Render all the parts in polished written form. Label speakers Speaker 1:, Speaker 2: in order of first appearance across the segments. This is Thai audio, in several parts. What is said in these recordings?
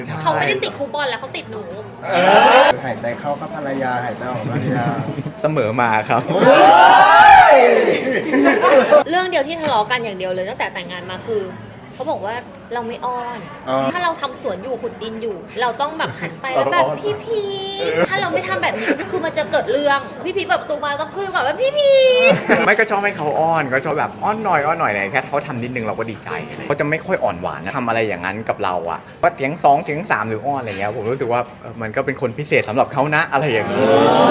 Speaker 1: เขาไม่ได้ติดครูบอลแล้วเขาติดหนู
Speaker 2: หายใจเข้าก็ภรรยาหายใจออกภรรยา
Speaker 3: เสมอมาครับ
Speaker 1: เรื่องเดียวที่ทะเลาะกันอย่างเดียวเลยตั้งแต่แต่งงานมาคือเขาบอกว่าเราไม่อ้อน ถ้าเราทำสวนอยู่ขุดดินอยู่ เราต้องแบบหันไปแล้วแบบพี่พีถ้าเราไม่ทำแบบนี้คือมันจะเกิดเรื่องพี่พีเปิดประตูมาต้องคุยแบบว่าพี่พี
Speaker 3: ไม่ก็ชอบให้เขาอ้อนก็ชอบแบบอ้อนหน่อยเนี่ยแค่เขาทำนิดนึงเราก็ดีใจเขาจะไม่ค่อยอ่อนหวานนะทำอะไรอย่างนั้นกับเราอะว่าเสียง2เสียง3หรืออ้อนอะไรเงี้ยผมรู้สึกว่ามันก็เป็นคนพิเศษสำหรับเขานะอะไรอย่างนี้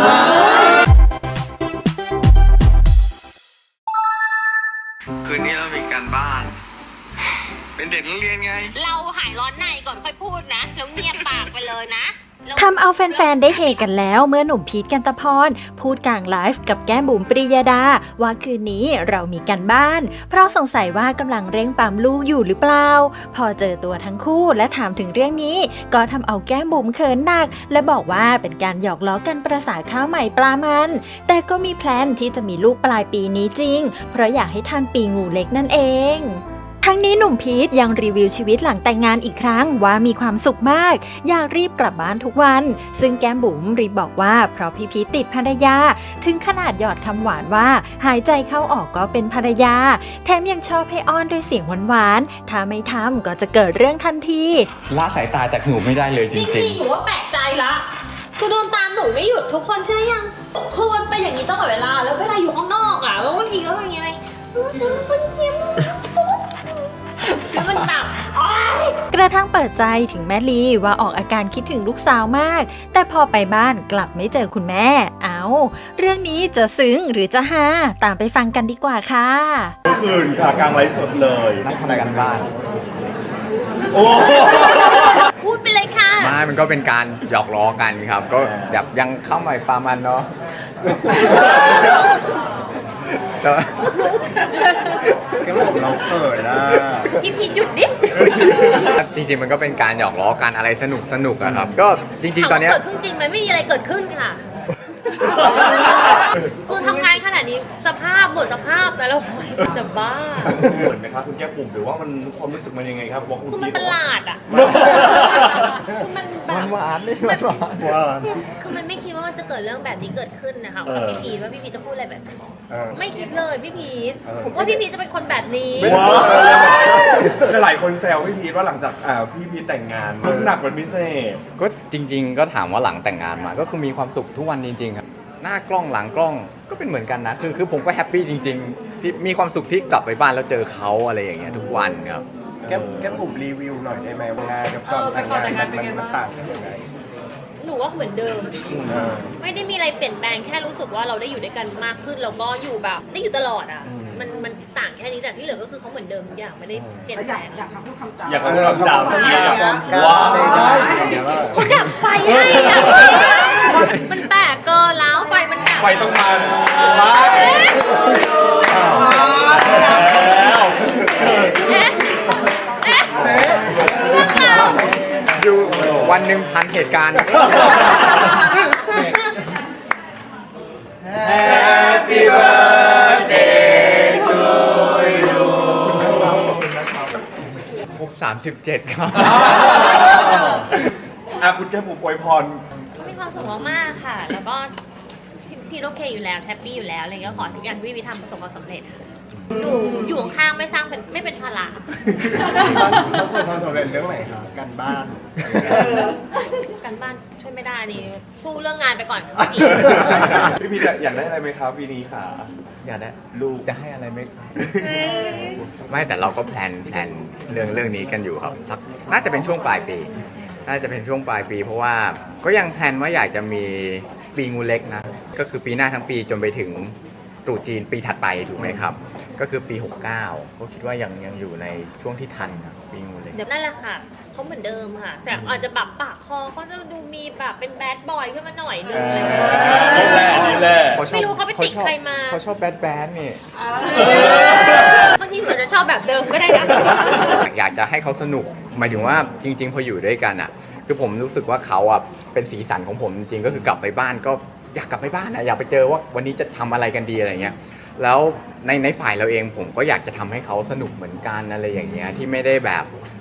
Speaker 3: คืนนี้เรามีการบ้าน เป็นเด็กนักเรียนไง
Speaker 1: เราหายร้อนในก่อนค่อยพูดนะแล้วเงียบปากไปเลยนะ
Speaker 4: ทำเอาแฟนๆได้เฮกันแล้วเมื่อหนุ่มพีท กันตะพรพูดกลางไลฟ์กับแก้มบุ๋มปริยดาว่าคืนนี้เรามีกันบ้านเพราะสงสัยว่ากำลังเร่งปั๊มลูกอยู่หรือเปล่าพอเจอตัวทั้งคู่และถามถึงเรื่องนี้ก็ทำเอาแก้มบุ๋มเขินหนักและบอกว่าเป็นการหยอกล้อกันประสาข้าวใหม่ปลามันแต่ก็มีแพลนที่จะมีลูกปลายปีนี้จริงเพราะอยากให้ทันปีงูเล็กนั่นเองทั้งนี้หนุ่มพีทยังรีวิวชีวิตหลังแต่งงานอีกครั้งว่ามีความสุขมากอยากรีบกลับบ้านทุกวันซึ่งแก้มบุ๋มรีบบอกว่าเพราะพี่พีทติดภรรยาถึงขนาดหยอดคำหวานว่าหายใจเข้าออกก็เป็นภรรยาแถมยังชอบให้อ้อนด้วยเสียงหวานๆถ้าไม่ทำก็จะเกิดเรื่องทันที
Speaker 3: ละสายตาจากหนูไม่ได้เลยจริง
Speaker 1: ๆหนูว่าแปลกใจละคือโดนตามหนูไม่หยุดทุกคนเชื่อยังคือมันเป็นอย่างนี้ตลอดเวลาแล้วเวลาอยู่ข้างนอกอ่ะบางทีก็อย่างเงี้ยคนเชี่ยแล้วมันแบบ
Speaker 4: กระทั่งเปิดใจถึงแม่ลีว่าออกอาการคิดถึงลูกสาวมากแต่พอไปบ้านกลับไม่เจอคุณแม่เรื่องนี้จะซึ้งหรือจะฮาตามไปฟังกันดีกว่าค่ะ
Speaker 5: คืนค่ะกลางไลฟ์สดเลย
Speaker 3: นั่งทำกันบ้าน
Speaker 5: โอ้
Speaker 1: พูดไปเลยค่ะ
Speaker 3: มันก็เป็นการหยอกล้อกันครับก็แบบยังเข้าใหม่ปลามันเนาะ
Speaker 2: ก็บอกเราเขินนะ
Speaker 1: พี่พีหยุดดิ
Speaker 3: จริงๆมันก็เป็นการหยอกล้อกันอะไรสนุกอะครับก็จริงๆตอนนี้
Speaker 1: เกิดขึ้นจริงไหมไม่มีอะไรเกิดขึ้นค่ะคือทำงานขนาดนี้สภาพหมดสภาพแต่เราจะบ้า
Speaker 5: เหมือนไหมครับคุณแก้มบุ๋มหรือว่ามันความรู้สึกมันยังไงครับว่าคุณ
Speaker 1: คือมันประหลาดอ่ะคือมันแบบ
Speaker 3: หวานนี่มันหวาน
Speaker 1: คือมันไม่คิดว่ามันจะเกิดเรื่องแบบนี้เกิดขึ้นนะคะกับพี่พีทว่าพี่พีทจะพูดอะไรแบบนี้ไม่คิดเลยพี่พีทว่าพี่พีทจะเป็นคนแบบนี้
Speaker 5: หลายคนแซวพี่พีทว่าหลังจากพี่พีทแต่งงานหนักเป็นพิเศษ
Speaker 3: ก็จริงๆก็ถามว่าหลังแต่งงานมาก็คือมีความสุขทุกวันจริงๆครับหน้ากล้องหลังกล้องก็เป็นเหมือนกันนะคือผมก็แฮปปี้จริงๆที่มีความสุขที่กลับไปบ้านแล้วเจอเขาอะไรอย่างเงี้ยทุกวันครับ
Speaker 2: แกบุ๋มรีวิวหน่อยได้ไหมว่างานกับก่อนแต่งงานมันต่างกันยังไง
Speaker 1: หนูว่าเหมือนเดิมไม่ได้มีอะไรเปลี่ยนแปลงแค่รู้สึกว่าเราได้อยู่ด้วยกันมากขึ้นแล้วก็อยู่แบบได้อยู่ตลอดอ่ะมันต่างแค่นี้แต่ที่เหลือก็คือเขาเหมือนเดิมทุกอย่างไม่ได้เปลี่ยนแปลง
Speaker 5: อยากพูดคำจำว้าว
Speaker 1: เขาดับไฟให้อ่ะมันแตกเกินแล้วไฟมันดับ
Speaker 5: ไฟต้องมา
Speaker 3: อยู่วันหนึ่งพันเหตุการณ์
Speaker 2: Happy birthday to you
Speaker 3: ครบ37ครับ
Speaker 5: คุณแก้มบุ๋มอวยพร
Speaker 1: มีความสุขมากๆค่ะแล้วก็พี่โอเคอยู่แล้วแฮปปี้อยู่แล้วอะไรเงี้ยขอทุกอย่างที่พี่ทำประสบความสำเร็จหนูอยู่ข้างๆไม่เป็นภาระ
Speaker 2: เขาส่วนความสำเร็จเรื่องไหนคะการบ้าน
Speaker 1: การบ้านช่วยไม่ได้นี่สู้เรื่องงานไปก่อน
Speaker 5: พี่พีอยากได้อะไรไหมครับปีนี้ค่ะ
Speaker 3: อยากได้ลูกจะให้อะไรไหมครับไม่แต่เราก็แพลนเรื่องนี้กันอยู่ครับน่าจะเป็นช่วงปลายปีเพราะว่าก็ยังแพลนว่าอยากจะมีปีงูเล็กนะก็คือปีหน้าทั้งปีจนไปถึงตรุษจีนปีถัดไปถูกไหมครับก็คือปี69ก็คิดว่ายังอยู่ในช่วงที่ทันนะปีงูเล็ก
Speaker 1: นั่นแหละค่ะเขาเหมือนเดิมค่ะแต่อาจจะแบบปากคอเขาจะดูมีแบบเป็นแบดบอยขึ้นมาหน่อยนึงอะไรแบบ
Speaker 5: นี้แหละ
Speaker 1: ไม่รู้เขาไปติดใครมา
Speaker 3: เขาชอบแบดนี่
Speaker 1: บางทีเหมือนจะชอบแบบเดิมก็ได้นะ
Speaker 3: อยากจะให้เขาสนุกหมายถึงว่าจริงๆพออยู่ด้วยกันอ่ะคือผมรู้สึกว่าเขาอ่ะเป็นสีสันของผมจริงๆก็คือกลับไปบ้านก็อยากกลับไปบ้านนะอยากไปเจอว่าวันนี้จะทำอะไรกันดีอะไรเงี้ยแล้วในฝ่ายเราเองผมก็อยากจะทำให้เขาสนุกเหมือนกันอะไรอย่างเงี้ยที่ไม่ได้แบบ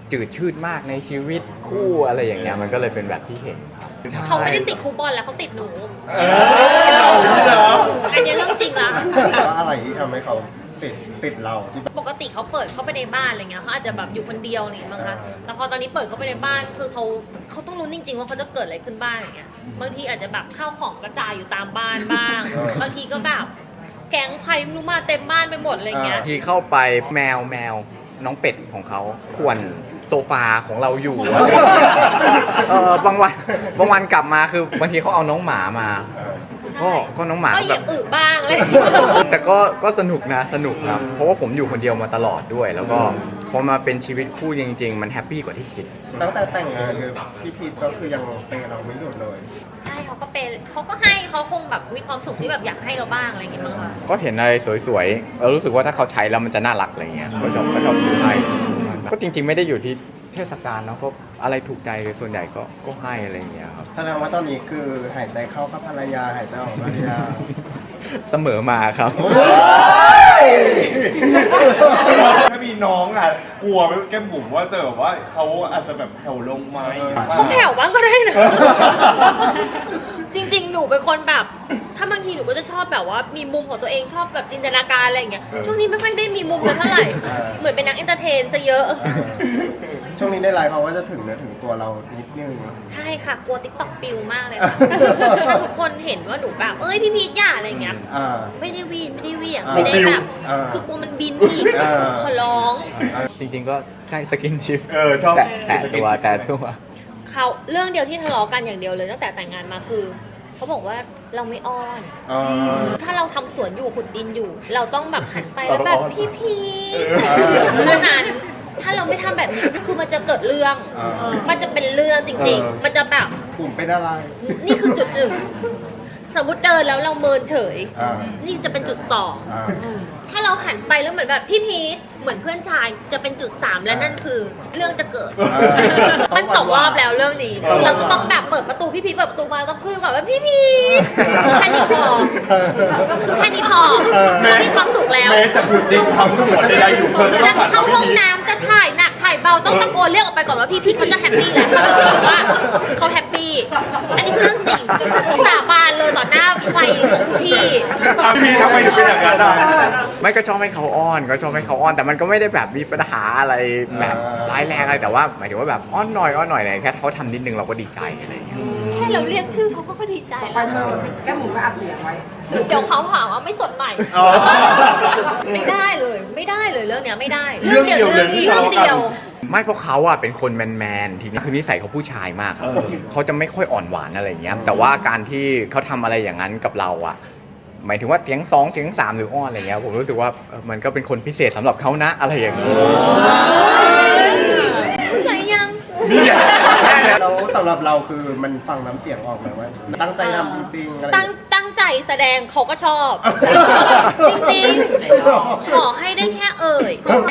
Speaker 3: จืดชืดมากในชีวิตคู่อะไรอย่างเงี้ยมันก็เลยเป็นแบบที่เห็นครับ
Speaker 1: เขาไม่ได้ติดครูบอลแล้วเขาติดหนู
Speaker 5: เราเหรอ
Speaker 1: อันนี้เรื่องจริงละ
Speaker 2: ว่าอะไรที่ทำให้เขาติดเราที่แบบ
Speaker 1: ปกติเขาเปิดเข้าไปในบ้านอะไรเงี้ยเขาอาจจะแบบอยู่คนเดียวอะไรอย่างเงี้ยมั้งคะแต่พอตอนนี้เปิดเข้าไปในบ้านคือเขาต้องรู้จริงๆว่าเขาจะเกิดอะไรขึ้นบ้างอย่างเงี้ยบางทีอาจจะแบบข้าวของกระจายอยู่ตามบ้านบ้างบางทีก็แบบแก๊งใครไม่รู้มาเต็มบ้านไปหมดอะไรเงี้ย
Speaker 3: ที่เข้าไปแมวน้องเป็ดของเขาข่วนโซฟาของเราอยู่อะไรอย่างเงี้ยบางวันกลับมาคือบางทีเขาเอาน้องหมามา ก็น้องหมา
Speaker 1: ก็เห
Speaker 3: แบ
Speaker 1: ยีย
Speaker 3: บ
Speaker 1: บอึบ้างเลย
Speaker 3: แต่ก็สนุกครับเพราะว่าผมอยู่คนเดียวมาตลอดด้วย แล้วก็พอมาเป็นชีวิตคู่จริงๆมันแฮปปี้กว่าที่คิด
Speaker 2: ตั้งแต่แต่งงานคือพี่พีทก็คือยังเปย์เราไม่หยุดเลย
Speaker 1: ใช่เขาก็เป็นเขาก็ให้เขาคงแบบมีความสุขที่แบบอยากให้เราบ้างอะไรอย่างเงี้ยมั้งคะ
Speaker 3: ก็เห็นอะไรสวยๆเรารู้สึกว่าถ้าเขาใช้แล้วมันจะน่ารักอะไรเงี้ยก็ชอบซื้อให้ก็จริงๆไม่ได้อยู่ที่เทศกาลเนาะก็อะไรถูกใจส่วนใหญ่ก็ให้อะไรอย่างเงี้ยครับ
Speaker 2: แสดงว่าตอนนี้คือหายใจเข้ากับภรรยาหายใจออกภรรยา
Speaker 3: เสมอมาครับ
Speaker 5: ถ้ามีน้องอ่ะกลัวไหมแก้มบุ๋มว่าจะแบบว่าเขาอาจจะแบบแผ่วลงไหม
Speaker 1: เขาแผ่วบ้างก็ได้นะ จริงๆ หนูเป็นคนแบบ ถ้าบางทีหนูก็จะชอบแบบว่ามีมุมของตัวเองชอบแบบจินตนาการอะไรอย่างเงี้ย ช่วงนี้ไม่ค่อยได้มีมุมเลยเท่าไหร่ เหมือนเป็นนักเอนเตอร์เทนซะเยอะ
Speaker 2: ช่วงนี้ในไลน์เขาว่าจะถึงเนื้อถึงตัวเรานิดนึง
Speaker 1: ใช่ค่ะ กลัวติ๊กต็อกปิวมากเลยค่ะ ถ้าทุกคนเห็นว่าหนูแบบ เอ้ยพี่พีทอย่าอะไรอย่างเงี้ย
Speaker 2: อ่า
Speaker 1: ไม่ได้วีนไม่ได้เหวี่ยง
Speaker 2: อ่า
Speaker 1: ไม่ได้แบบ
Speaker 2: อ่า
Speaker 1: คือกลัวมันบินอีก
Speaker 2: อ่า
Speaker 1: ขอร้อง
Speaker 3: จริงๆก็ใช่สกินชิป
Speaker 5: ชอบ
Speaker 3: แต่ตัว
Speaker 1: เขาเรื่องเดียวที่ทะเลาะกันอย่างเดียวเลยตั้งแต่แต่งงานมาคือเขาบอกว่าเราไม่อ้อน
Speaker 2: อ่า
Speaker 1: ถ้าเราทำสวนอยู่ขุดดินอยู่ เราต้องแบบหันไป
Speaker 5: เรา
Speaker 1: แล้ว
Speaker 5: ต้อง
Speaker 1: แบบ
Speaker 5: อ้อน
Speaker 1: พี่พี
Speaker 2: เออ
Speaker 1: เท่านั้น ถ้าเราไม่ทำแบบนี้คือมันจะเกิดเรื่อง
Speaker 2: อ่า
Speaker 1: มันจะเป็นเรื่องจริง ๆ มันจะแบบ
Speaker 2: กลุ่มเป็นอะไร
Speaker 1: นี่คือจุดหนึ่งสมมติเดินแล้วเราเมินเฉย
Speaker 2: อ่า
Speaker 1: นี่จะเป็นจุดสอง
Speaker 2: อ่า
Speaker 1: ถ้าเราหันไปแล้วเหมือนแบบพี่พีทเหมือนเพื่อนชายจะเป็นจุด3และนั่นคือเรื่องจะเกิด มันสองรอบแล้วเรื่องนี้คือเราจะต้องแบบเปิดประตูพี่พีทเปิดประตูมาแล้วก็คุยก่อนว่าพี่พีทแค่นี้พอคือแค่นี้พอมีความสุขแล้ว
Speaker 5: แม้จะขุดดินทำสวนใดๆอยู่เธอจะต้
Speaker 1: จะ
Speaker 5: องผ่าน
Speaker 1: เข้าห้อง
Speaker 5: วิธี
Speaker 1: น้ำจะถ่ายหนักถ่ายเบาต้องตะโกนเรียกออกไปก่อนว่าพี่พีทเขาจะแฮปปี้แล้วเขาจะรู้ว่าเขาแฮปปี้อันนี้คือเรื่องจริงสาบานเลยต่อหน้าไฟของคุณพี่
Speaker 5: พี่ทำไมถึงเป็นอย่างนั้นได้
Speaker 3: ไม่ก็ชอบให้เขาอ้อนแต่มันก็ไม่ได้แบบมีปัญหาอะไรแบบร้ายแรงอะไรแต่ว่าหมายถึงว่าแบบอ้อนหน่อยอะไรแค่เขาทำนิดนึงเราก็ดีใจอะไรอย่างเงี้ย
Speaker 1: แค่เราเรียกชื่อเขาก็ดีใจ
Speaker 6: ไป
Speaker 1: แล้ว
Speaker 6: เธอแก้มหมูไปอัดเสียงไว้
Speaker 1: เดี๋ยวเขาหาว่าไม่สดใหม่
Speaker 2: อ๋อ
Speaker 1: ไม่ได้เลยเรื่องเนี้ยไม่ได้
Speaker 5: เรื่องเดียวเลยที่
Speaker 1: เรื่องเดียว
Speaker 3: ไม่เพราะเขาอะเป็นคนแมนทีนี้คือนิสัยเขาผู้ชายมากครับเขาจะไม่ค่อยอ่อนหวานอะไรอย่างเงี้ยแต่ว่าการที่เขาทำอะไรอย่างนั้นกับเราอะหมายถึงว่าเสียง2เสียง3หรืออ้อนอะไรเงี้ยผมรู้สึกว่ามันก็เป็นคนพิเศษสำหรับเขานะอะไรอย่างเงี้ย
Speaker 1: เข้าใจยัง
Speaker 2: แล้วสำหรับเราคือมันฟังน้ำเสียงออกไหมว่าตั้งใจทำจริงๆอะไรอย่างเงี้ย
Speaker 1: ตั้งใจแสดงเขาก็ชอบ จริงๆ ขอให้ได้แค่เอ่ย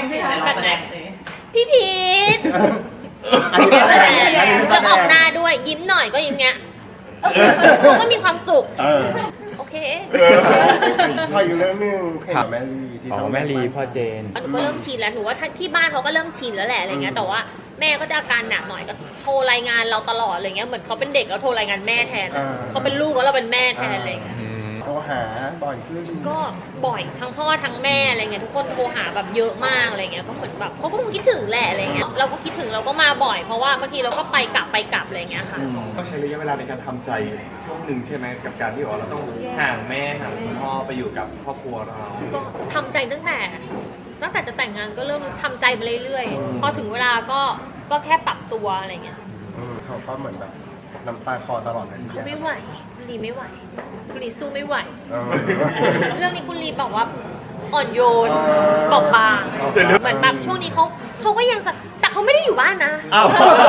Speaker 1: พี่พีท
Speaker 2: อันนี้แสดงอันนี้แส
Speaker 1: แล้ว
Speaker 2: ด
Speaker 1: ออก
Speaker 2: ง
Speaker 1: หน้าด้วยยิ้มหน่อยก็ยิ้มเงี้ยก็มีความสุข
Speaker 2: เออ
Speaker 1: โอเค
Speaker 2: พออยู่เรื่องนึงเพลงกับแม่ลีที่
Speaker 3: อ๋
Speaker 2: ต้
Speaker 3: อ
Speaker 2: อง
Speaker 3: แม่ลีพ่อเจน
Speaker 1: หนูก็เริ่มชินแล้วหนูว่าที่บ้านเขาก็เริ่มชินแล้วแหละอะไรเงี้ยแต่ว่าแม่ก็จะอาการหนักหน่อยก็โทรรายงานเราตลอดอะไรเงี้ยเหมือนเขาเป็นเด็กแล้วโทรรายงานแม่แทนอะเขาเป็นลูกแล้วเราเป็นแม่แทนอะไรเงี้ย
Speaker 2: โทรหาบ่อยขึ้น
Speaker 1: ก็บ่อยทั้งพ่อทั้งแม่อะไรเงี้ยทุกคนโทรหาแบบเยอะมากอะไรเงี้ยก็เหมือนแบบเขาก็คงคิดถึงแหละอะไรเงี้ยเราก็คิดถึงเราก็มาบ่อยเพราะว่าบางทีเราก็ไปกลับอะไรเงี้ยค่ะ
Speaker 5: ก็ใช้ระยะเวลาในการทำใจช่วงหนึ่งใช่ไหมกับการที่ว่าเราต้องห่างแม่ห่างคุณพ่อไปอยู่กับครอบครัวเรา
Speaker 1: ก็ทำใจตั้งแต่จะแต่งงานก็เริ่มทำใจไปเรื่อยๆพอถึงเวลาก็แค่ปรับตัวอะไรเงี้ย
Speaker 2: เขาก็เหมือนแบบน้ำตาคลอตลอดเลยที
Speaker 1: เขา
Speaker 2: เดี
Speaker 1: ไม่
Speaker 2: ยว
Speaker 1: ไหวคุณลีไม่ไหวคุณลีสู้ไม่ไหว
Speaker 2: เออ
Speaker 1: เรื่องนี้คุณลีบอกว่าอ่อนโยน
Speaker 2: อ๋อ
Speaker 1: เบาบางเหมือนแบบช่วงนี้เขาก็ยังแต่เขาไม่ได้อยู่บ้านนะ
Speaker 2: อ้าว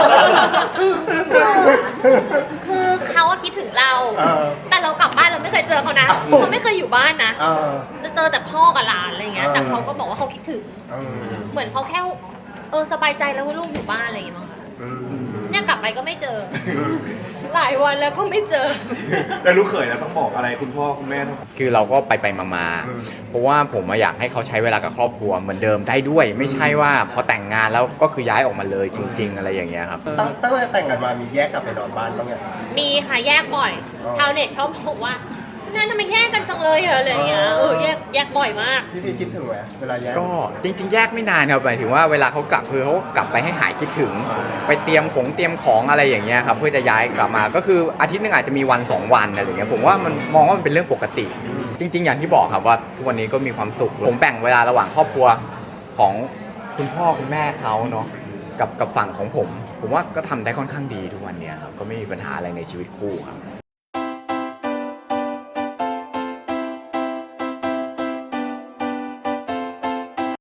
Speaker 1: คือเขาอะคิดถึงเรา
Speaker 2: เออ
Speaker 1: แต่เรากลับบ้านเราไม่เคยเจอเขานะ
Speaker 2: อ้าว
Speaker 1: เขาไม่เคยอยู่บ้านนะ
Speaker 2: เออ
Speaker 1: จะเจอแต่พ่อกับหลานอะไรเงี้ย แต่เขาก็บอกว่าเขาคิดถึง
Speaker 2: เออ
Speaker 1: เหมือนเขาแค่สบายใจแล้วว่าลูกอยู่บ้านอะไรอย่างเงี้ยมั้งคะ
Speaker 2: อืม
Speaker 1: เนี่ยกลับไปก็ไม่เจอ
Speaker 2: แ
Speaker 1: หลายวันแล้วก็ไม่เจอ
Speaker 5: แล้วลูกเขยเราต้องบอกอะไรคุณพ่อคุณแม่ต้อง
Speaker 3: คือเราก็ไปมาๆเพราะว่าผมอยากให้เขาใช้เวลากับครอบครัวเหมือนเดิมได้ด้วย ไม่ใช่ว่าพอแต่งงานแล้วก็คือย้ายออกมาเลยจริง ๆ อะไรอย่างเงี้ยครับ
Speaker 2: ตั้งแต่แต่งกันมามีแยกกลับไปนอนบ้านบ้างไง
Speaker 1: มีค่ะแยกบ่อย
Speaker 2: อ๋อ
Speaker 1: ชาวเน็ตชอบบอกว่านั่นทำไมแยกกันจังเลยเหรออะไรอย่างเงี้ยแยกบ่อยมาก
Speaker 2: พี่พีคิดถึงไหมเวลาแยก
Speaker 3: ก็จริงๆแยกไม่นานครับหมายถึงว่าเวลาเขากลับคือเขากลับไปให้หายคิดถึง ไปเตรียมของอะไรอย่างเงี้ยครับเพื่อจะย้ายกลับมาก็คืออาทิตย์นึงอาจจะมีวัน2วันอะไรอย่างเงี้ยผมว่ามันมองว่ามันเป็นเรื่องปกติ จริง ๆ อย่างที่บอกครับว่าทุกวันนี้ก็มีความสุขผมแบ่งเวลาระหว่างครอบครัวของคุณพ่อคุณแม่เขาเนาะกับฝั่งของผมว่าก็ทำได้ค่อนข้างดีทุกวันเนี้ยครับก็ไม่มีปัญหาอะไรในชีวิตคู่ครับ